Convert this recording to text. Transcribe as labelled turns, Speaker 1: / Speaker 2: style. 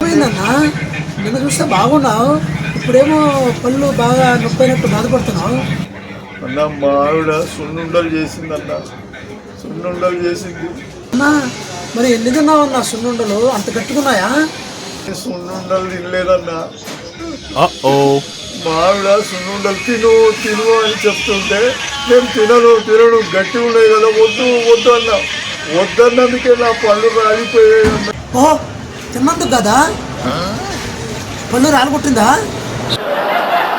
Speaker 1: ఏమైందన్నా? నిన్న చూస్తే బాగున్నావు, ఇప్పుడేమో పళ్ళు బాగా నొప్పైనట్టు బాధపడుతున్నావు.
Speaker 2: అన్న మా ఆవిడ సున్నుండలు చేసిందన్న, సున్నుండలు చేసింది.
Speaker 1: అన్నా మరి ఎన్ని తిన్నావు అన్న సున్నుండలు? అంత గట్టుకున్నాయా?
Speaker 2: సున్నుండలు తినలేదన్నా. మా ఆవిడ సున్నుండలు తిను తిను అని చెప్తుంటే నేను తినను గట్టి ఉన్నాయి కదా, వద్దు వద్దు అన్న. వద్దన్నందుకే నా పళ్ళు రాలిపోయాయి అన్న.
Speaker 1: ఓహో, తిన్నందుకు కదా పళ్ళు రాలగొట్టిందా?